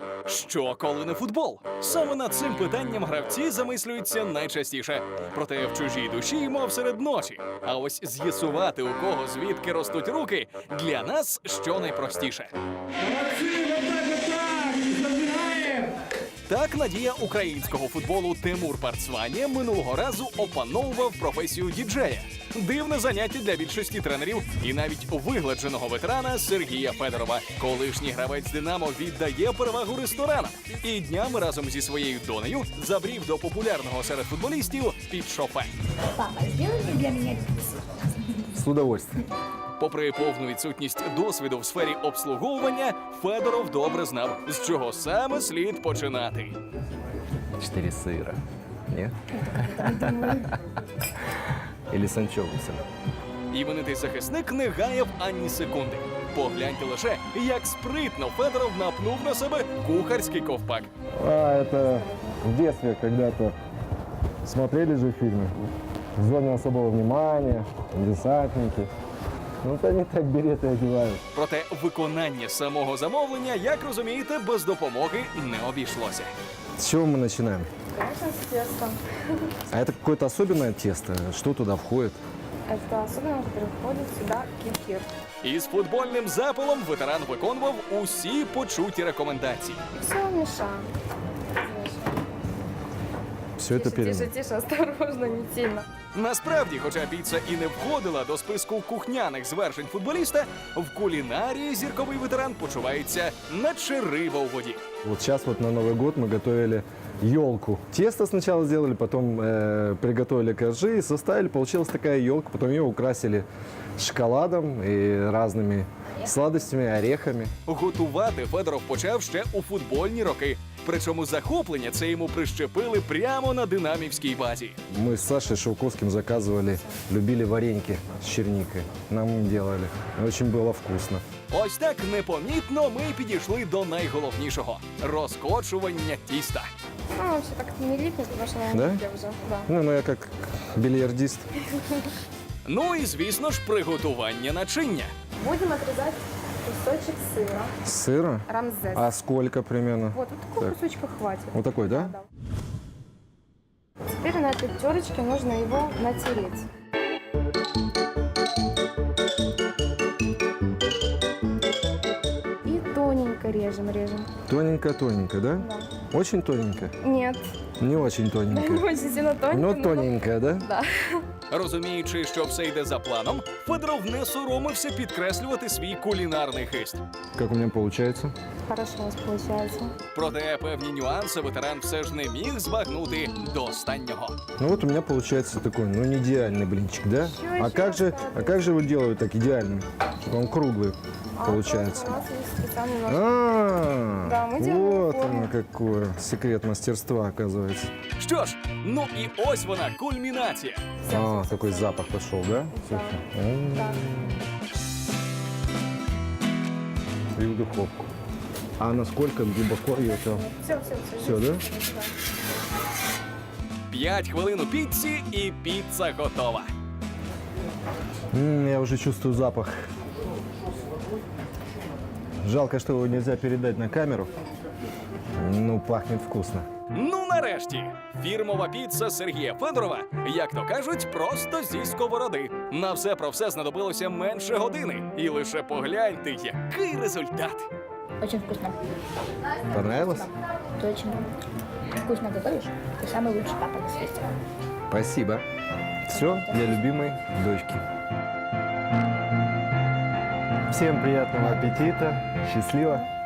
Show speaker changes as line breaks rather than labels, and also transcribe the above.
Що, коли не футбол? Саме над цим питанням гравці замислюються найчастіше. Проте в чужій душі, мов серед ночі. А ось з'ясувати, у кого звідки ростуть руки, для нас що найпростіше. Так надія українського футболу Тимур Парцванія минулого разу опановував професію діджея. Дивне заняття для більшості тренерів і навіть вигладженого ветерана Сергія Федорова. Колишній гравець «Динамо» віддає перевагу ресторанам. І днями разом зі своєю донею забрів до популярного серед футболістів під шофе.
Папа, сделайте для меня пиццу.
С удовольствием.
Попри повну відсутність досвіду в сфері обслуговування, Федоров добре знав, з чого саме слід починати.
4 сыра. Нет? Или с анчоусом.
Іменитий захисник не гаяв ані секунди. Погляньте лише, як спритно Федоров напнув на себе кухарський ковпак.
Это в детстве когда-то смотрели же фильмы. В зоне особого внимания, десантники. Ну, то они так береты одевают.
Проте виконання самого замовлення, як розумієте, без допомоги не обійшлося.
С чего мы начинаем?
Конечно, с тестом.
А это какое-то особенное тесто? Что туда входит?
Это особенно, который входит сюда кефир.
Із футбольним запалом ветеран виконував усі почуті рекомендації.
Все мешаем.
Все это
Тише,
перемешано.
тише, осторожно, не сильно.
Насправді, хоча піца і не входила до списку кухняних звершень футболіста, в кулінарії зірковий ветеран почувається наче риба у воді.
Вот сейчас вот на Новый год мы готовили елку. Тесто сначала сделали, потом приготовили коржи и составили. Получилась такая елка. Потом ее украсили шоколадом и разными сладостями, орехами.
Готувати Федоров почав ще у футбольні роки. Причому захоплення це йому прищепили прямо на динамівській базі.
Мы с Сашей Шелковским заказывали, любили вареньки с черникой. Нам им делали. Очень было вкусно.
Ось так непомітно ми підійшли до найголовнішого – розкочування тіста.
Ну, вообще так не липнет, потому что
Да?
я уже. Да.
Ну, я как бильярдист.
Ну і, звісно ж, приготування начиння.
Будем отрезать кусочек сыра.
Сыра?
Рамзес.
А сколько примерно?
Вот такого
Так.
кусочка хватит.
Вот такой, да?
Да. Теперь на этой терочке нужно его натереть. И тоненько режем.
Тоненько-тоненько, да?
Да.
Очень тоненько?
Нет,
Не очень
не
тоненько.
очень сильно тоненько.
Но
но-
тоненько, да?
Да.
Розуміючи, що все йде за планом, Федоров не соромився підкреслювати свій кулінарний хист.
Как у меня получается?
Хорошо у вас получается.
Проте певні нюанси ветеран все ж не міг збагнути до останнього.
Ну вот у меня получается такой, ну не идеальный блинчик, да?
Ещё,
А
ещё
как же,
осталось.
его делают так идеальный? Чтобы он круглый получается.
У нас есть специальный нож.
А,
Да, мы делаем
вот
форму.
оно какое секрет мастерства оказывается.
Що ж, ну і ось вона, кульмінація.
А, такой запах пошел, да? Слушай.
Да.
И в духовку. А насколько глубоко ее там?
Все.
Все, да?
5 хвилин у піці і піца готова.
Я уже чувствую запах. Жалко, что его нельзя передать на камеру. Ну, пахнет вкусно.
Ну нарешті, фірмова піца Сергія Федорова, як то кажуть, просто зі сковороди. На все про все знадобилося менше години. І лише погляньте, який результат.
Очень вкусно.
Понравилось?
Ты очень вкусно готовишь. Ты самый лучший папа на свете.
Спасибо. Все для любимой дочки. Всем приятного аппетита. Счастливо.